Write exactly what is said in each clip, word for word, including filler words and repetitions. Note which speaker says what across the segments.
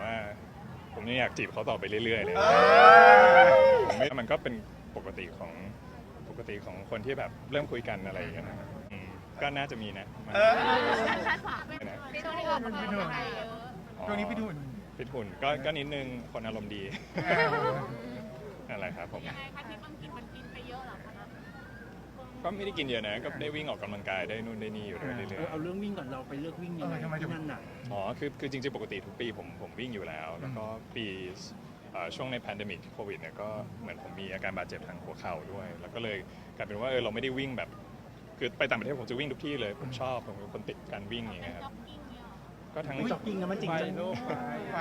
Speaker 1: ว่าผมยังอยากจีบเขาต่อไปเรื่อยๆเลยผมไม่มันก็เป็นปกติของปกติของคนที่แบบเริ่มคุยกันอะไรอย่างเงี้ยนะครับอืมก็น่าจะมีนะมัน
Speaker 2: คาดหวังเป็น
Speaker 1: นะ
Speaker 2: ช่วงที่ออกกำลังกายเยอะ
Speaker 3: ช่วงนี้พี่ดุน
Speaker 1: ฟิตหุ่นก็ก็นิดนึงคนอารมณ์ดีนั่นแหละครับผม
Speaker 2: ยังไงคะที่บางทีมันกินไปเยอะเหรอคะ
Speaker 1: ก็ไม่ได้กินเยอะนะก็ได้วิ่งออกกำลังกายได้นู่นได้นี่อยู่เรื่อย
Speaker 4: เออเอาเรื่องวิ่งก่อนเราไปเลือกวิ่งยังไง
Speaker 3: เออทำไมถึง
Speaker 4: ที่นั่นน่ะ
Speaker 1: ๆอ๋อคือคือจริงๆปกติทุกปีผมผมวิ่งอยู่แล้ว แล้วก็ปีเอ่อช่วงในแพนเดมิกโควิดเนี่ยก็เหมือนผมมีอาการบาดเจ็บทางหัวเข่าด้วย แล้วก็เลยกลายเป็นว่าเออเราไม่ได้วิ่งแบบคือไปต่างประเทศผมจะวิ่งทุกที่เลยผมชอบผมเป็นคนติดการวิ่งอย่างเงี้ยครับ
Speaker 2: จ็อกกิ้งเนี่ยเหรอ
Speaker 1: ก็ทั้ง
Speaker 4: จ็อกกิ้งนะมันจริงจัง
Speaker 3: ไป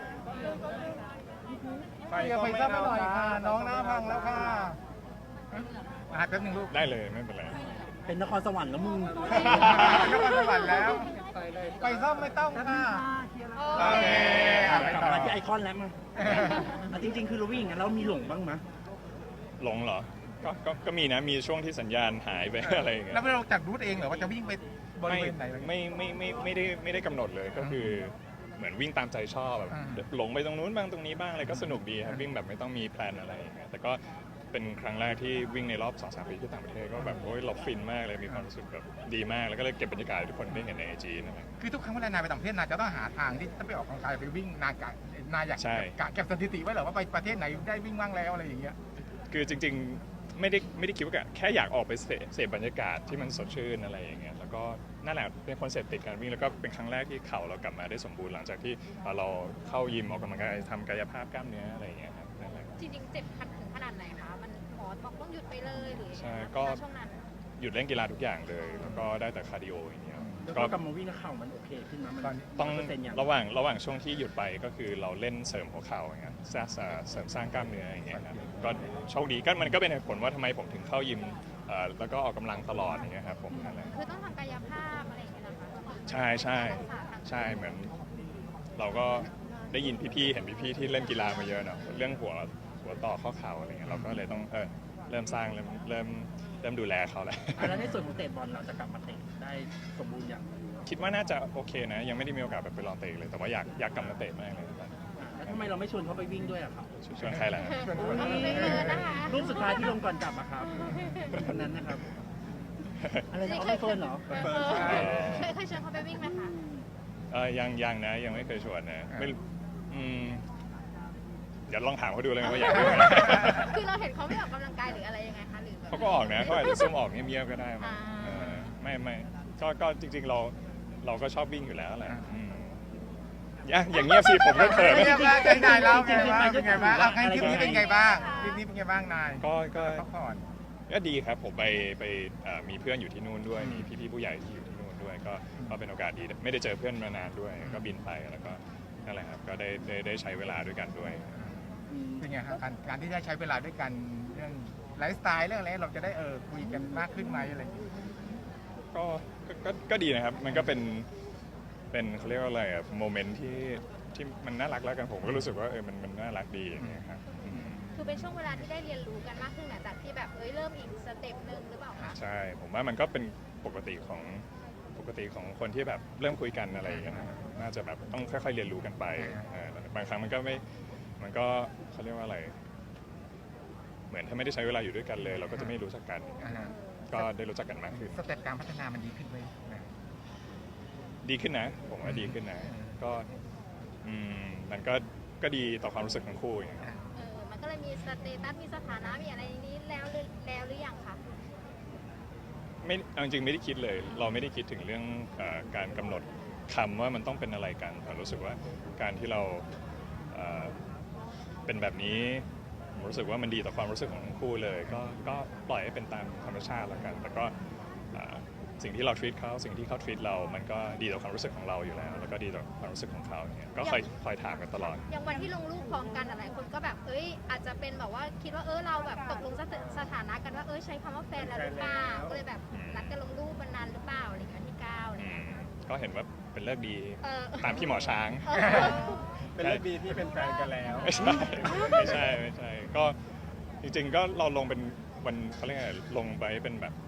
Speaker 5: ไป
Speaker 3: อย่าไปซับหน่อยค่ะน้องหน้าพังแล้วค่ะมาแป๊บนึงลูก
Speaker 1: ได้เลยไม่เป็นไร
Speaker 4: เป็นนครสวรรค์แล้วมึง
Speaker 3: นครสวรรค์แล้ว ไปซ่อมไม่ต้องค่ะโอเคอ่ะไป
Speaker 4: กลับ
Speaker 3: ต่อ
Speaker 4: มาที่ไอคอนแล้วมั้งอ่ะจริง ๆ คือเราวิ่งอย่างนั้นเรามีหลงบ้างมั้ย
Speaker 1: หลงเหรอก็ก็ก็มีนะมีช่วงที่สัญญาณหายไป อะไรอย่างเงี้ย
Speaker 3: แล้วเราจัดรูทเองเหรอว่าจะวิ่งไปบริ
Speaker 1: ไม่
Speaker 3: เวณไหนอะไรเงี้ย
Speaker 1: ไม่ไม่ไม่ไม่ได้ไม่ได้กำหนดเลยก็คือเหมือนวิ่งตามใจชอบแบบ
Speaker 3: อ่า
Speaker 1: หลงไปตรงนู้นบ้างตรงนี้บ้างอะไรก็สนุกดีครับวิ่งแบบไม่ต้องมีแพลนอะไรอย่างเงี้ยแต่ก็เป็นครั้งแรกที่วิ่งในรอบสองสามปีที่ต่างประเทศก็แบบโอ้ยเราฟินมากเลยมีความรู้สึกแบบดีมากแล้วก็เลยเก็บบรรยากาศให้ทุกคนได้เห็นในไอจีนั่นแหละ
Speaker 3: คือทุกครั้งเวลานายไปต่างประเทศนายจะต้องหาทางที่จะไปออกกำลังกายไปวิ่งนายกะนายอยาก
Speaker 1: ใช่
Speaker 3: กะเก็บสถิติไว้เหรอว่าไปประเทศไหนได้วิ่งบ้างแล้วอะไรอย่างเงี้ย
Speaker 1: คือจริงๆไม่ได้ไม่ได้คิดว่าแค่อยากออกไปเสพเสพบรรยากาศที่มันสดชื่นอะไรอย่างเงี้ยแล้วก็นั่นแหละเป็นคนเสพติดการวิ่งแล้วก็เป็นครั้งแรกที่เข่าเรากลับมาได้สมบูรณ์หลังจากที่เราเข้ายิมออกกำลังกายทำกายภาพกล้ามเนื้ออะไรอย่างเงี้ยครับนั่นแหละ
Speaker 2: จริงๆเจ็บขัดถึงขนาดไหนคะมันหมอบอกต้องหยุดไปเลยหรือ
Speaker 1: ใช่
Speaker 2: ยังไง
Speaker 1: ก็
Speaker 2: คะช่วงนั้น
Speaker 1: หยุดเล่นกีฬาทุกอย่างเลย แล้วก็ได้แต่คาร์ดิโออย่างเงี้ย
Speaker 4: แล้ว
Speaker 1: ก็
Speaker 4: ก็กลับมาวิ่งแล้วเข่ามันโอเคขึ้นมั้ยมัน
Speaker 1: ต้อง
Speaker 4: เปอร์เซ็นต์อย่าง
Speaker 1: ระหว่างระหว่างช่วงที่หยุดไปก็คือเราเล่นเสริมหัวเข่าอย่างเงี้ยสร้างเสริมสร้างกล้ามเนื้ออย่างเงี้ยครับก็โชคดีก็มันก็เป็นเหตุผลว่าทำไมผมถึงเข้ายิมเอ่อแล้วก็ออกกำลังตลอดอย่างเงี้ยครับผมนั่นแหละ
Speaker 2: คือต้องทำกายภาพอะไรอย่างเงี้ยนะคะ
Speaker 1: ใช่ใช่ใช่เหมือน เราก็ได้ยินพี่ๆเห็นพี่ๆที่เล่นกีฬามาเยอะเนาะเรื่องหัวหัวต่อข้อเข่าอะไรเงี้ยเราก็เลยต้องเออเริ่มสร้างเริ่มเริ่มเริ่มดูแลเขาแล้ว
Speaker 4: อ่ะแล้วในส่วนของเตะบอลเราจะกลับมาเตะได้สมบูรณ์อย่าง
Speaker 1: คิดว่าน่าจะโอเคนะ ยังไม่ได้มีโอกาสแบบไปลองเตะเลยแต่ว่าอยากอยากกลับมาเตะมากเลยตอนนี้
Speaker 4: แล้วทำไมเราไม่ชวนเขาไปวิ่งด้วยอะครับ
Speaker 1: ชวนใครล่ะ
Speaker 2: เอาไปเลยนะคะ
Speaker 4: รูปสุดท้ายที่ลงก่อนกลับอะครับคนนั้นนะครับ อะไรนะเอาไม่เฟิร์นเหรอ
Speaker 2: เออเคยเคยชวนเขาไปวิ่งไหมคะ
Speaker 1: เออยังยังนะยังไม่เคยชวนนะไม่อืมเดี๋ยวลองถามเขาดูเลยว่าอยากดูไหม
Speaker 2: คือเราเห็นเขาไม่ออกกำลังกายหรืออะไรยังไงคะหรือแบบ
Speaker 1: เขาก็ออกนะเขาอาจจะซุ่มออกเงียบๆก็ได้มั้ง
Speaker 2: อ่า
Speaker 1: เออไม่ไม่ก็ก็จริง ๆเราเราก็ชอบวิ่งอยู่แล้วแหละอืมอย่าอย่างเงียบสิผมก็เขิน
Speaker 3: เป็นไง
Speaker 1: นะ
Speaker 3: บ้างใจนายเล่าไงบ้างเป็นไงบ้างเอาคลิปนี้เป็นไงบ้างคลิปนี้เป็นไงบ้างนาย
Speaker 1: ก็ก็
Speaker 3: พักผ่อน
Speaker 1: ก็ดีครับผมไปไปเอ่อมีเพื่อนอยู่ที่นู่นด้วยมีพี่ๆผู้ใหญ่ที่อยู่ที่นู่นด้วยก็ก็เป็นโอกาสดีไม่ได้เจอเพื่อนมานานด้วย ก็บินไปแล้วก็นั่นแหละครับก็ได้ได้ได้ใช้เวลาด้วยกันด้วย
Speaker 3: เป็นไงครับการการที่ได้ใช้เวลาด้วยกันเรื่องไลฟ์สไตล์เรื่องอะไรเราจะได้เออคุยกันมากขึ้นไหมอะไรอย่างเงี้ย
Speaker 1: ก็ก็ก็ก็ดีนะครับ มันก็เป็น เป็นเขาเรียกว่าอะไรอะโมเมนต์ที่ที่มันน่ารักแล้วกันผมก็รู้สึกว่าเออมันมันน่ารักดีอย่างเงี้ยครับอืม
Speaker 2: คือเป็นช่วงเวลาที่ได้เรียนรู้กันมากขึ้นหลังจากที่แบบเอ้ยเริ่มอีกสเต็ปหนึ่งหรือเปล่าคะ
Speaker 1: ใช่ ผมว่ามันก็เป็นปกติของปกติของคนที่แบบเริ่มคุยกันอะไรอย่างเงี้ยนะครับน่าจะแบบต้องค่อยๆเรียนรู้กันไปเออบางครั้งมันก็ไม่ มันก็เขาเรียกว่าอะไร เหมือนถ้าไม่ได้ใช้เวลาอยู่ด้วยกันเลย เราก็จะไม่รู้จักกัน
Speaker 3: อ่าฮะ
Speaker 1: ก็ได้รู้จักกันมากขึ้น
Speaker 3: สเต็ปการพัฒนามันดีขึ้นไหมนะ
Speaker 1: ดีขึ้นนะ ผมว่าดีขึ้นนะ ก็อืมมันก็ก็ดีต่อความรู้สึกของคู่อย่างเงี้ย
Speaker 2: เออมันก็เลยมีสเตตัสมีสถานะมีอะไรนี้แล้วหรือแล้วหรือยังคะ
Speaker 1: ไม่เอาจริงๆไม่ได้คิดเลย เราไม่ได้คิดถึงเรื่องเออการกำหนดคำว่ามันต้องเป็นอะไรกันแต่รู้สึกว่าการที่เราเอ่อเป็นแบบนี้ผมรู้สึกว่ามันดีต่อความรู้สึกของทั้งคู่เลย ก็ก็ปล่อยให้เป็นตามธรรมชาติแล้วกันแต่ก็เอ่อสิ่งที่เรา treat เขาสิ่งที่เขา treat เรา มันก็ดีต่อความรู้สึกของเราอยู่แล้ว แล้วก็ดีต่อความรู้สึกของเขาอย่างเงี้ยก็คอยคอยถามกันตลอด
Speaker 2: อย่างวันที่ลงรูปพร้อมกันหลายคนก็แบบเอ้ยอาจจะเป็นแบบว่าคิดว่าเออเราแบบตกลงสถสถานะกันว่าเอ้ยใช้คำว่าแฟนแล้วหรือเปล่าก็เลยแบบนัดกันลงรูปมันนานหรือเปล่าอะไรอย่างเงี้ยที่เก้าอะไร
Speaker 1: อื
Speaker 2: เงี้ย
Speaker 1: มก็เห็นว่าเป็นเลิกดี
Speaker 2: เออ
Speaker 1: ตามพี่หมอช้าง
Speaker 2: เออ
Speaker 5: เป็นเรื่องดีที่เป็นแฟนกันแล้ว
Speaker 1: ไม่ใช่ไม่ใช่ไม่ใช่ก็จริงๆก็เราลงเป็นวันเขาเรียกอะไรลงไปเป็นแบบ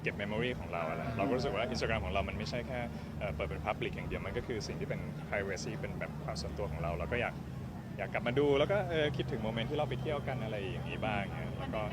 Speaker 1: เก็บเมมโมรีของเราอะไรเราก็รู้สึกว่า Instagram ของเรามันไม่ใช่แค่เอ่อเปิดเป็น Public อย่างเดียวมันก็คือสิ่งที่เป็น privacy เป็นแบบความส่วนตัวของเราเราก็อยากอยากกลับมาดูแล้วก็เออคิดถึงโมเมนต์ที่เราไปเที่ยวกันอะไรอย่างนี้บ้างเนี่ยแล้วก็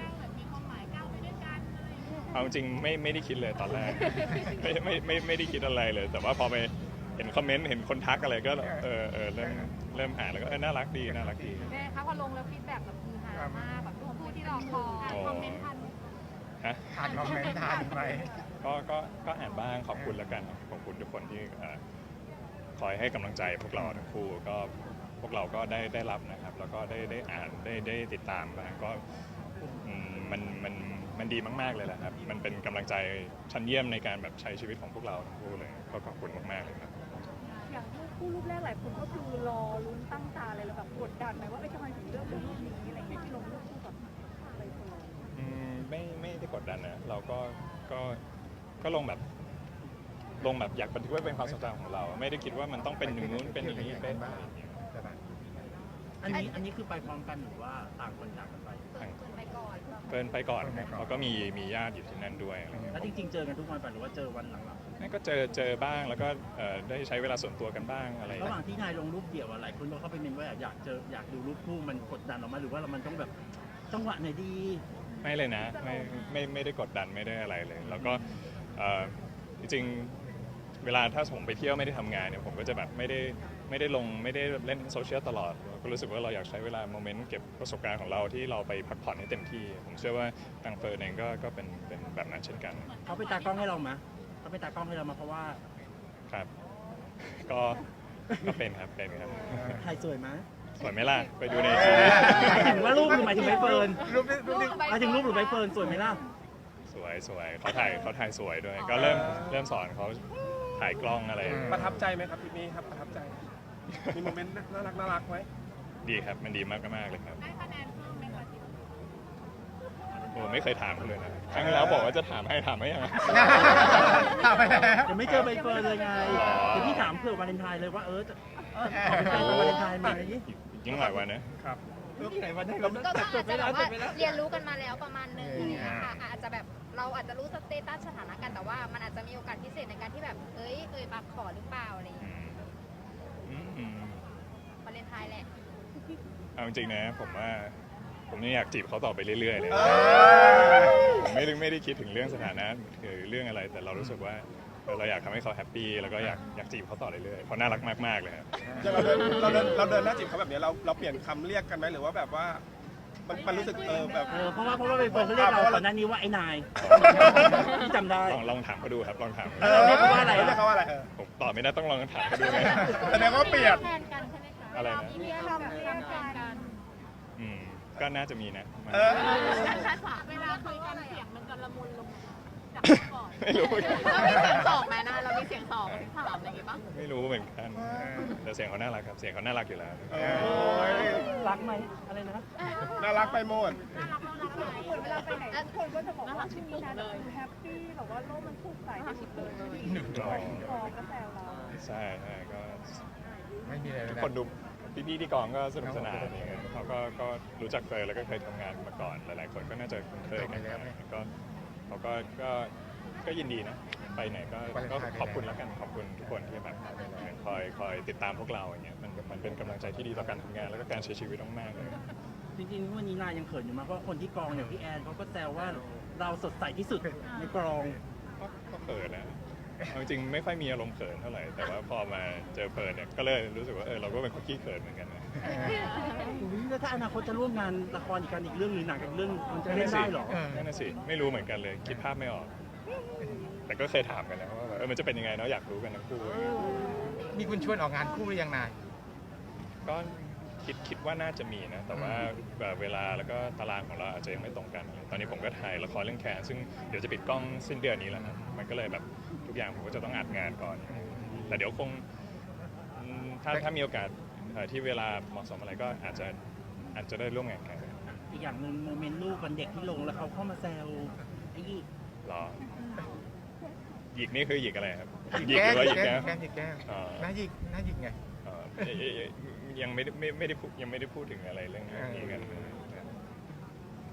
Speaker 1: เอาจริงไม่ไม่ได้คิดเลยตอนแรก ไม่ไม่ไม่ไม่ได้คิดอะไรเลย แต่ว่าพอไปเห็นคอมเมนต์เห็นคนทักอะไรก็เออเออเริ่มเริ่มอ่านแล้วก็เออน่ารักดีน่ารักดี
Speaker 2: แม่คะพอลงแล้วฟีดแบ็กแบบคือฮามากแบบทุกคนที่รอคอยคอมเมนต์ทัน
Speaker 1: ฮะ
Speaker 3: อ่านคอมเมนต์ทานไหม
Speaker 1: ก็ก็ก็อ่านบ้างขอบคุณแล้วกันขอบคุณทุกคนที่เอ่อคอยให้กำลังใจพวกเราทั้งคู่ก็พวกเราก็ได้ได้รับนะครับแล้วก็ได้ได้อ่านได้ได้ติดตามบ้างก็อืมมันมันมันดีมากๆเลยแหละครับมันเป็นกำลังใจชั้นเยี่ยมในการแบบใช้ชีวิตของพวกเราทั้งคู่เลยก็ขอบคุณมากๆเลยครับ
Speaker 6: อย่างรูปคู่รูปแรกหลายคนก็คือรอลุ้นตั้งตาเลยแล้วแบบกดดันไหมว่าเอ้ยทำไมถึงเลือกเป็นรูปนี้อะไรเงี้ยที่ลงรูปคู่กับใบเฟิร์น
Speaker 1: อืมไม่ไม่ได้กดดันนะเราก็ก็ก็ลงแบบลงแบบอยากบันทึกไว้เป็นความทรงจำของเรา ไม่ได้คิดว่ามันต้องเป็นอย่างนู้นเป็นอย่างนี้เป็นอะไรอย่างเงี้ย
Speaker 4: อันนี้อันนี้คือไปพร้อมกันหรือว่าต่างคนต่างกันไป
Speaker 2: เปิดเปิดไปก่อน
Speaker 1: เพิ่นไปก่อนครับเขาก็มีมีญาติอยู่ที่นั่นด้วยอะไรเงี้ย
Speaker 4: แล้วจริงๆเจอกันทุกวันป่ะหรือว่าเจอวันหลัง
Speaker 1: นั่นก็เจอเจอบ้างแล้วก็เอ่อได้ใช้เวลาส่วนตัวกันบ้างอะไร
Speaker 4: ๆระหว่างที่นายลงรูปเดี่ยวอะหลายคนก็เข้าไปเมนว่าอยากเจออยากดูรูปคู่มันกดดันออกมาหรือว่าเรามันต้องแบบจังหวะไหนดี
Speaker 1: ไม่เลยนะไม่ไม่ไม่ได้กดดันไม่ได้อะไรเลย แล้วก็เอ่อจริงๆเวลาถ้าผมไปเที่ยวไม่ได้ทำงานเนี่ยผมก็จะแบบไม่ได้ไม่ได้ลงไม่ได้เล่นโซเชียลตลอดก็รู้สึกว่าเราอยากใช้เวลาโมเมนต์เก็บประสบการณ์ของเราที่เราไปพักผ่อนให้เต็มที่ ผมเชื่อว่าทางเฟิร์นเองก็ก็เป็นเป็นแบบนั้นเช่นกัน
Speaker 4: เขาไปตากล้องให้เรามะเขาไปตากล้องให้เรามาเพราะว่า
Speaker 1: ครับ ก็ก็เป็นครับเป็นครับ
Speaker 4: ถ่ายสวยมะ
Speaker 1: สวยไหมล่ะไปดูในทีวี
Speaker 4: หมายถึงว่ารูปหรือหมายถึงใบเฟิร์น
Speaker 3: รูปนี้รูปนี้
Speaker 4: หมายถึงรูปหรือใบเฟิร์นสวยไหมล่ะ
Speaker 1: สวยสวยเขาถ่ายเขาถ่ายสวยด้วย ก็เริ่มเริ่มสอนเขาถ่ายกล้องอะไร
Speaker 5: ประทับใจไหมครับทริปนี้ครับประทับใจ มีโมเมนต์น่ารักน่ารักไหม
Speaker 1: ดีครับมันดีมากมากๆเลยครับ
Speaker 2: ได้คะแนนเพิ่มไหมคะ
Speaker 1: โอ้ไม่เคยถามเขาเลยนะครั้งที่แล้วบอกว่าจะถามให้ถามไม่ยัง
Speaker 3: ถามไปแล้ว
Speaker 4: ยังไม่เจอใบเฟิร์นเลยไง
Speaker 1: อ๋อ
Speaker 4: เดี๋ยวพี่ถามเผื่อวาเลนไทน์เลยว่าเออจะเออขอเป็นแฟนวันวาเลนไทน์ไหม
Speaker 1: ยังหลายวันนะ
Speaker 5: ครับ
Speaker 4: ที่ไหนวันไหน
Speaker 2: ก็ก็อาจจะแบบว่าเรียนรู้กันมาแล้วประมาณนึงอย่างเงี้ยค่ะอาจจะแบบเราอาจจะรู้สเตตัสสถานะกันแต่ว่ามันอาจจะมีโอกาสพิเศษในการที่แบบเอ้ยเอ่ยปากขอหรือเปล่าอะไรอย่าง
Speaker 1: อื
Speaker 2: เงี้ย
Speaker 1: มอืมอืม
Speaker 2: วาเลนไทน์แหละ
Speaker 1: เอาจริงๆนะผมว่าผมยังอยากจีบเขาต่อไปเรื่อยๆเลย
Speaker 3: เออ
Speaker 1: ผมไม่ได้ไม่ได้คิดถึงเรื่องสถานะหรือเรื่องอะไร แต่เรารู้สึกว่าเออเราอยากทำให้เขาแฮปปี้แล้วก็อยากอยากจีบเขาต่อเรื่อยๆเขาน่ารักมากๆเลยครับ
Speaker 5: อย่างเราเดินเราเดินเราเดินหน้าจีบเขาแบบนี้เราเราเปลี่ยนคำเรียกกันไหมหรือว่าแบบว่ามันมันรู้สึกเออแบบ
Speaker 4: เออเพราะว่าเพราะว่าใบเฟิร์นเขาเรียกเราก่อนหน้านี้ว่าไอ้นายที่จำได้
Speaker 1: ลองลองถามเขาดูครับลองถาม
Speaker 5: เออ
Speaker 4: เรียกเขาว่าอะไรอะ
Speaker 5: เรียกเขาว่าอะไรเออ
Speaker 1: ผมตอบไม่ได้ต้องลองถามเขาดูนะ
Speaker 5: แสดงว่าเปลี่ยน
Speaker 2: แทนกันใช่ไหมคะ
Speaker 1: อะไรนะ
Speaker 2: มีคำเรียกกัน
Speaker 1: อืมก็น่าจะมีนะ
Speaker 5: เออ
Speaker 2: เวลาคุยกันเสียงมันจะละมุนลงจากก่อน
Speaker 1: ไม่รู้เหมือนกัน
Speaker 2: เรามีเสียงสองไหมนะเรามีเสียงสองถามอะไรอย่างงี้ป่ะ
Speaker 1: ไม่รู้เหมือนกันแต่เสียงเขาน่ารักครับเสียงเขาน่ารักอยู่แล้ว
Speaker 5: โอ้ย
Speaker 4: รักไหมอะไรนะ
Speaker 5: น่ารักไปหมด
Speaker 6: เหมือนเวลาไปไหนทุกคนก็จะบอกว่าช่วงนี้นะดูแฮปปี้แบบว่าโลกมันสดใสที่สุดเลย
Speaker 3: หนึ่งร้อย
Speaker 6: กองก็แซวเรา
Speaker 1: ใช่ใช่ก็
Speaker 3: ไม่มีอะไรเลย
Speaker 1: ทุก
Speaker 3: นะ
Speaker 1: คนดูพี่ๆที่กองก็สนุกสนานอะไรเงี้ยเขาก็ก็รู้จักเฟยแล้วก็เคยทำงานมาก่อน หลายๆคนก็น่าจะคุ้นเคยกันก็เขาก็ก็ก็ยินดีนะ ไปไหนก็ก็ขอบคุณแล้วกัน ขอบคุณทุกคนที่แบบคอยคอยติดตามพวกเราอย่างเงี้ย มันมันเป็นกำลังใจที่ดีต่อการทำงานแล้วก็การใช้ชีวิตมากๆเลย
Speaker 4: จริงๆวันนี้นายยังเขินอยู่มากเพราะคนที่กองอย่างพี่แอนเขาก็แซวว่าเราสดใสที่สุดในกอง
Speaker 1: ก็ก็เขินนะเอาจริงๆไม่ค่อยมีอารมณ์เขินเท่าไหร่ แต่ว่าพอมาเจอเฟิร์นเนี่ย ก็เลยรู้สึกว่าเออเราก็เป็นคนขี้เขินเหมือนกันนะ
Speaker 4: อุ๊ยแล้วถ้าอนาคตจะร่วมงานละครอีกกันอีกเรื่องหรือหนังอีกเรื่องมันจะเล่นได้เหรอ
Speaker 1: นั่นน่ะสิ ไม่รู้เหมือนกันเลย คิดภาพไม่ออก แต่ก็เคยถามกันนะว่าแบบเออมันจะเป็นยังไงเนาะอยากรู้กันทั้งคู่
Speaker 3: มีคุณชวนออกงานคู่หรือยังนาย
Speaker 1: ก็คิดคิดว่าน่าจะมีนะ แต่ว่าแบบเวลาแล้วก็ตารางของเราอาจจะยังไม่ตรงกัน ตอนนี้ผมก็ถ่ายละครเรื่องแคนซึ่งเดี๋ยวจะปิดกล้องสิ้นเดือนนี้แล้วนะมันก็เลยแบบทุกอย่างผมก็จะต้องอัดงานก่อน แต่เดี๋ยวคงอืมถ้าถ้ามีโอกาสเอ่อที่เวลาเหมาะสมอะไรก็อาจจะอาจจะได้ร่วมงานกัน
Speaker 4: อีกอย่างหนึ่งโมเมนต์ลูกวันเด็กที่ลงแล้วเขาเข้ามาแซวไอ้ยี่
Speaker 1: หรอหยิกนี่คือหยิกอะไรครับห
Speaker 3: หยิ
Speaker 1: ยิ
Speaker 3: ก
Speaker 1: กห
Speaker 3: แก้
Speaker 1: รือว่าหยิก
Speaker 3: แก้
Speaker 1: แก้
Speaker 3: มหยิกแก้ม
Speaker 1: อ๋อ
Speaker 3: หน้าหยิกหน้าหยิกไง
Speaker 1: เอ่อเอ่ยเอ่ยเอ่ยยังไม่ได้ไม่ไม่ได้พูดยังไม่ได้พูดถึงอะไรเรื่องนี้กัน
Speaker 4: ง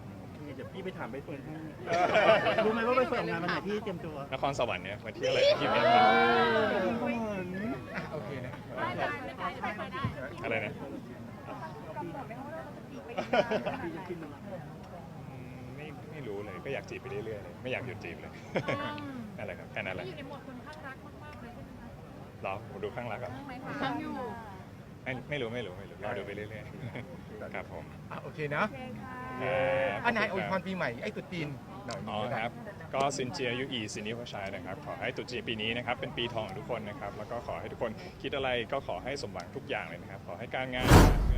Speaker 4: เดี๋ยวพี่ไปถามใบเฟิร์นให้รู้ไหมว่าใบเฟิร์นออกงานวันไหนพี่เตรียมตัวน
Speaker 1: ครสวรรค์เนี่ยวันที่อะไรที่เมษา
Speaker 3: อ่ะโอเคนะ
Speaker 1: อะไรนะ
Speaker 6: กำหนดไหมว่าเราจะจีบไปอีกนานขนาด
Speaker 4: พี่
Speaker 6: ไห
Speaker 4: จะ
Speaker 6: น
Speaker 4: ขึ้นมา
Speaker 1: อืมไม่ไม่รู้เลยก็อยากจีบไปเรื่อยๆเลยไม่อยากหยุดจีบเลยนั่นแหละครับแค่นั้นแหละ
Speaker 6: อยู่ในโหมดคนข้างรักมากๆเลยใช่ไหมคะ
Speaker 1: รอผมดูข้างรักก่อน
Speaker 6: ไหมคะข้างอยู่
Speaker 1: ไม่ไม่รู้ไม่รู้ไม่รู้รอดูไปเรื่อยๆครับผม
Speaker 3: อ่ะโอเคเนาะ
Speaker 6: โอเคค่ะ
Speaker 1: ครับ
Speaker 3: อันไหนอวยพรปีใหม่ไอ้ตรุ๊จีนหน่อย
Speaker 1: อ๋อครับก็ซินเจียยุอีซินิวชายนะครับขอให้ตรุษจีนปีนี้นะครับเป็นปีทองของทุกคนนะครับแล้วก็ขอให้ทุกคนคิดอะไรก็ขอให้สมหวังทุกอย่างเลยนะครับขอให้การงาน